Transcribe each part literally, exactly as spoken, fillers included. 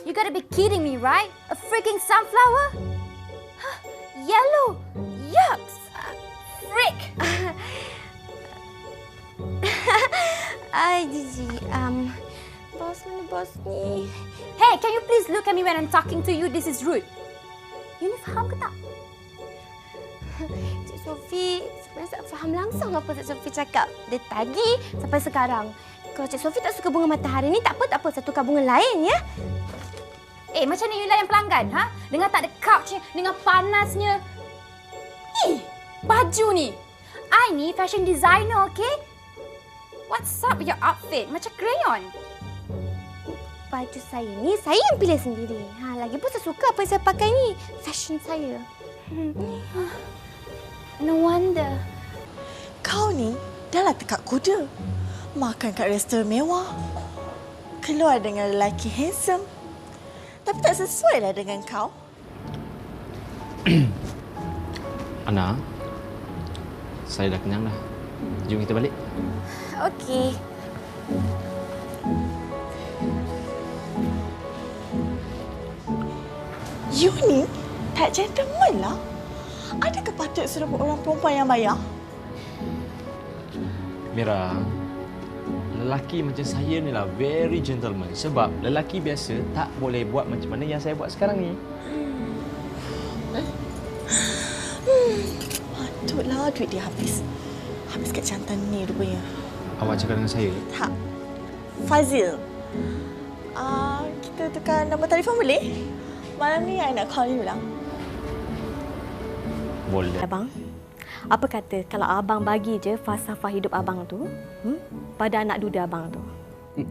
You gotta be kidding me, right? A freaking sunflower? Huh, yellow! Yucks! Frick! Ay, Gigi. Um, bos mana bos ni? Hey, can you please look at me when I'm talking to you? This is rude. You ni faham ke tak? Cik Sophie, sebenarnya tak faham langsung apa Cik Sophie cakap. Dari tadi sampai sekarang. Kalau Cik Sophie tak suka bunga matahari ni, tak apa, tak apa. Saya tukar bunga lain, ya? Eh, macam ni you layan pelanggan, ha? Dengan tak ada couchnya, dengan panasnya. Ih, baju ni. I ni fashion designer, okay? What's up with your outfit? Macam crayon. Baju saya ni, saya yang pilih sendiri. Ha, lagipun saya suka apa yang saya pakai ni. Fashion saya. No wonder. Kau ni dah lah tekak kuda. Makan kat restoran mewah. Keluar dengan lelaki handsome. Tapi tak sesuai lah dengan kau. Ana, saya dah kenyang dah. Jom kita balik. Okey. You ni tak gentleman lah. Adakah patut suruh orang perempuan yang bayar? Mira, lelaki macam saya ni lah very gentleman. Sebab lelaki biasa tak boleh buat macam mana yang saya buat sekarang ni. Hmm, patutlah duit dia habis. Habis kat jantan ni rupanya. Awak cakap dengan saya? Tak. Fazil. Uh, kita tukar nombor telefon boleh? Malam ni I nak call you lah. Boleh. Abang, apa kata kalau abang bagi je falsafah hidup abang tu hmm, pada anak duda abang tu? Hmm.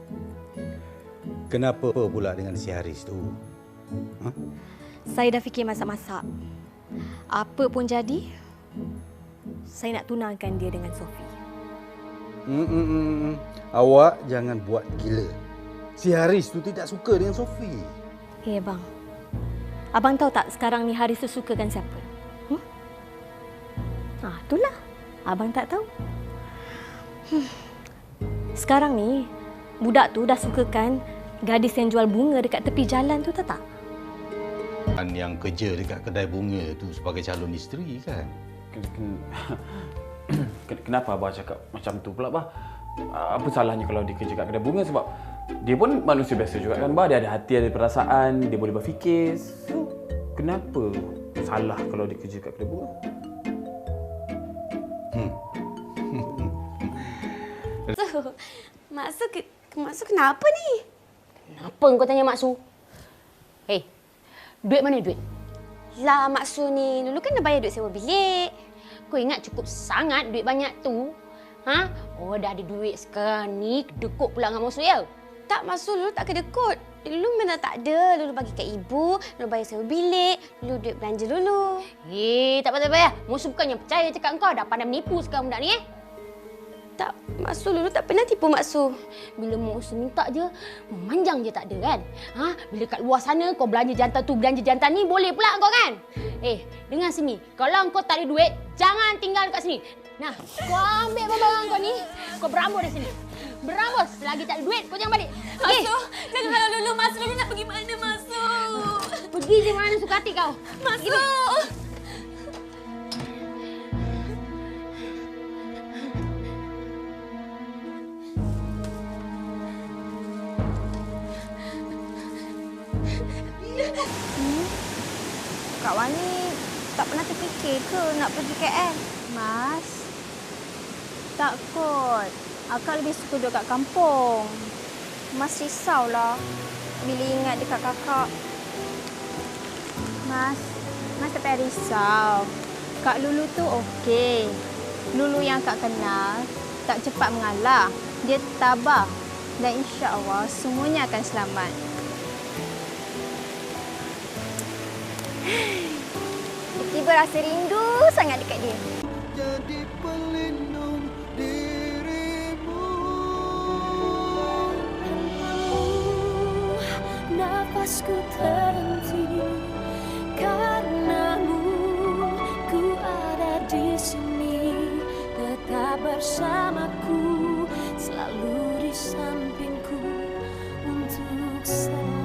Kenapa pula dengan si Haris tu? Ha? Saya dah fikir masak-masak. Apa pun jadi, saya nak tunangkan dia dengan Sophie. Hmm, hmm, hmm. Awak jangan buat gila. Si Haris tu tidak suka dengan Sophie. Eh, abang. Abang tahu tak sekarang ni Haris tu sukakan siapa? Hmm? Ah, itulah. Abang tak tahu. Hmm. Sekarang ni, budak tu dah sukakan gadis yang jual bunga dekat tepi jalan tu, tahu tak? Dan yang kerja dekat kedai bunga tu sebagai calon isteri kan? Kenapa Abah cakap macam tu pula, Bah? Apa salahnya kalau dia kerja kat kedai bunga? Sebab dia pun manusia biasa juga kan, Bah. Dia ada hati, ada perasaan, dia boleh berfikir. So, kenapa salah kalau dia kerja kat kedai bunga? Hmm. So, Mak Su, Mak Su kenapa ni? Kenapa kau tanya Mak Su? Hei, duit mana duit? Lah, Mak Su ni dulu kan dah bayar duit sewa bilik. Kau ingat cukup sangat duit banyak tu? Ha? Oh, dah ada duit sekarang ni, kedekut pula dengan Mak Su ya? Tak, Mak Su dulu tak kedekut. Dulu memang tak ada. Dulu bagi kat ibu, dulu bayar sewa bilik, dulu duit belanja dulu. Eh, tak payah, tak payah. Mak Su bukannya percaya cakap kau, dah pandai menipu sekarang budak ni eh? Tak, Mak Su dulu tak pernah tipu Mak Su. Bila Mak Su minta je, memanjang je tak ada kan? Ha? Bila kat luar sana kau belanja jantan tu, belanja jantan ni, boleh pula kau kan? Eh, dengar sini. Kalau kau tak ada duit, jangan tinggal kat sini. Nah, kau ambil barang-barang kau ni, kau berambus dari sini. Berambus. Selagi tak ada duit, kau jangan balik. Mak Su, jangan halau dulu. Mak Su dulu nak pergi mana, Mak Su? Pergi je mana suka hati kau. Mak Su! Hmm? Kak Wani tak pernah terfikir ke nak pergi K L? Mas, tak kot. Akak lebih suka duduk kat kampung. Mas risaulah bila ingat dekat kakak. Mas, Mas tak payah risau. Kak Lulu tu okey. Lulu yang akak kenal tak cepat mengalah. Dia tabah dan insya-Allah semuanya akan selamat. Tiba rasa rindu sangat dekat dia. Jadi pelindung dirimu. Nafasku terhenti karenamu. Ku ada di sini, tetap bersamaku, selalu di sampingku untuk selalu.